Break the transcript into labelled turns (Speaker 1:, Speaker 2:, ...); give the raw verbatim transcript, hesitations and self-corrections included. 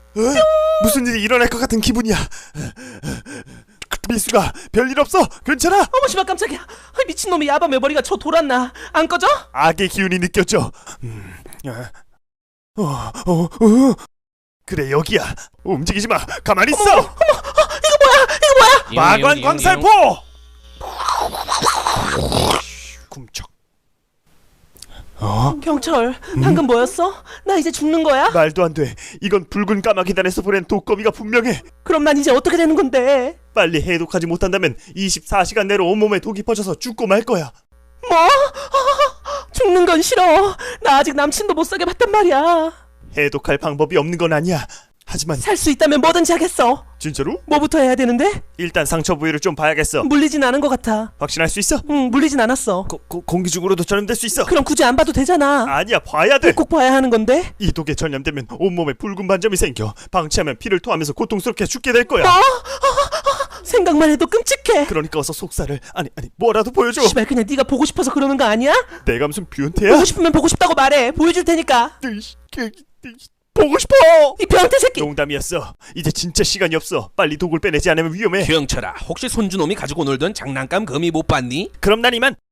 Speaker 1: 어? 무슨 일이 일어날 것 같은 기분이야. 미수가 별일 없어? 괜찮아?
Speaker 2: 어머 씨발 깜짝이야. 아, 미친놈이 야밤에 머리가 저 돌았나? 안 꺼져?
Speaker 1: 악의 기운이 느껴져. 음, 어, 어, 어. 그래 여기야. 움직이지 마. 가만히 있어.
Speaker 2: 어머, 어머, 어, 이거 뭐야? 이거 뭐야?
Speaker 1: 마관 광살포. 굼쩍. 어?
Speaker 2: 경철, 방금 뭐였어? 나 이제 죽는 거야?
Speaker 1: 말도 안 돼. 이건 붉은 까마귀단에서 보낸 독거미가 분명해.
Speaker 2: 그럼 난 이제 어떻게 되는 건데?
Speaker 1: 빨리 해독하지 못한다면 이십사 시간 내로 온몸에 독이 퍼져서 죽고 말 거야.
Speaker 2: 뭐? 아, 죽는 건 싫어. 나 아직 남친도 못 사게 봤단 말이야.
Speaker 1: 해독할 방법이 없는 건 아니야. 하지만
Speaker 2: 살 수 있다면 뭐든지 하겠어.
Speaker 1: 진짜로?
Speaker 2: 뭐부터 해야 되는데?
Speaker 1: 일단 상처 부위를 좀 봐야겠어.
Speaker 2: 물리진 않은 것 같아.
Speaker 1: 확신할 수 있어?
Speaker 2: 응, 물리진 않았어.
Speaker 1: 고, 고, 공기 중으로도 전염될 수 있어.
Speaker 2: 그럼 굳이 안 봐도 되잖아.
Speaker 1: 아니야, 봐야 돼.
Speaker 2: 꼭 봐야 하는 건데?
Speaker 1: 이 독에 전염되면 온몸에 붉은 반점이 생겨. 방치하면 피를 토하면서 고통스럽게 죽게 될 거야.
Speaker 2: 뭐? 아, 아, 생각만 해도 끔찍해.
Speaker 1: 그러니까 어서 속살을 아니 아니 뭐라도 보여줘.
Speaker 2: 씨발 그냥 네가 보고 싶어서 그러는 거 아니야?
Speaker 1: 내가 무슨 변태야?
Speaker 2: 보고 싶으면 보고 싶다고 말해. 보여줄 테니까.
Speaker 1: 으이씨, 그, 그, 보고 싶어.
Speaker 2: 이 변태 새끼.
Speaker 1: 농담이었어. 이제 진짜 시간이 없어. 빨리 독을 빼내지 않으면 위험해.
Speaker 3: 경철아, 혹시 손주놈이 가지고 놀던 장난감 거미 못 봤니?
Speaker 1: 그럼 난 이만.